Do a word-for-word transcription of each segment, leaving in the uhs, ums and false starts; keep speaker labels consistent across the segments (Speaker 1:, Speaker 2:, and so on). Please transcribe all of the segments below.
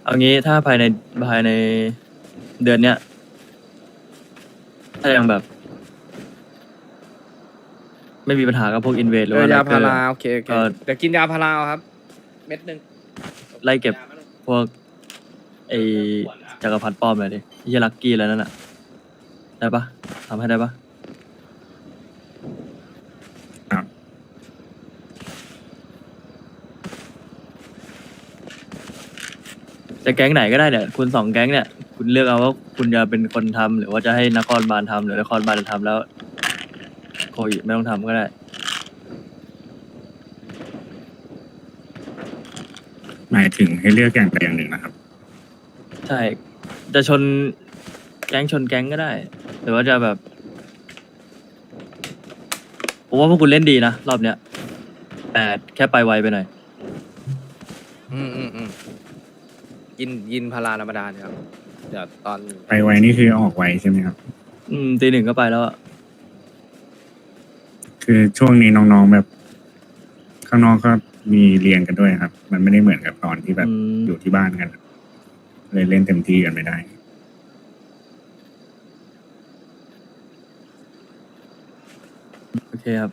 Speaker 1: เอางี้ถ้าภายในภายในเดือนเนี้ยถ้ายังแบบ ไม่มีปัญหากับพวกอินเวสหรื
Speaker 2: เอ
Speaker 1: อว่า
Speaker 2: อ
Speaker 1: ไล
Speaker 2: ยา
Speaker 1: เก
Speaker 2: พา
Speaker 1: อร์
Speaker 2: ราโอเคโอเค
Speaker 1: ก็
Speaker 2: เดี๋ยวกินยาพาราเอาครับ เม็ดหนึ่ง
Speaker 1: ไล่เก็บพวกไอจักรพรรดิป้อมเลยดิที่จะลักกี้แล้วนั่นน่ะได้ปะทำให้ได้ปะ
Speaker 3: ครับ
Speaker 1: จะแก๊งไหนก็ได้เนี่ยคุณสองแก๊งเนี่ยคุณเลือกเอาว่าคุณจะเป็นคนทำหรือว่าจะให้นครบาลทำหรือนครบาลจะทำแล้วโคอิไม่ต้องทำก็ได้
Speaker 3: หมายถึงให้เลือกอย่างใดอย่างหนึ่งนะครับ
Speaker 1: ใช่ จะชนแก๊งชนแก๊งก็ได้ หรือว่าจะแบบผมว่าพวกคุณเล่นดีนะรอบเนี้ยแต่แค่ไปไวไปหน่อย
Speaker 2: อืมอืมอืมกินกินพาราธรรมดาเนี่ยครับ เดี๋ยวตอน
Speaker 3: ไปไวนี่คือออกไวใช่ไหมครับ
Speaker 1: อืมตีหนึ่งก็ไปแล้วอะ
Speaker 3: คือช่วงนี้น้องๆแบบ ข้างนอกก็มีเรียนกันด้วยครับ มันไม่ได้เหมือนกับตอนที่แบบ
Speaker 1: อืม
Speaker 3: อยู่ที่บ้านกันเลยเล่นเต็มที่กันไม่ได้
Speaker 1: โอเคครับ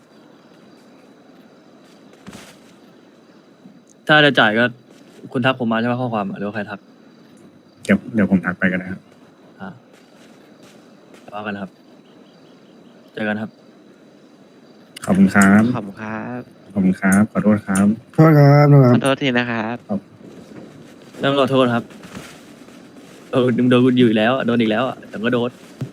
Speaker 1: ถ้าจะจ่ายก็คุณทักผมมาใช่ไหมข้อความอะหรือว่าใครทัก
Speaker 3: เดี๋ยวเดี๋ยวผมทักไปก็ได้ครับ
Speaker 1: อ่าว่ากันครับ เจอกันครับ
Speaker 3: ขอบคุณครับ
Speaker 4: ขอบคุณครับ
Speaker 3: ขอบคุณครับ ขอโทษครับ
Speaker 5: โทษครับโทษค
Speaker 4: ข
Speaker 5: รั
Speaker 4: อบ โทษทีนะครับ
Speaker 1: ต้องขอโทษครับโดนโดนคุณอยู่อีกแล้วอะโดนอีกแล้วอ่ะแต่ก็โดน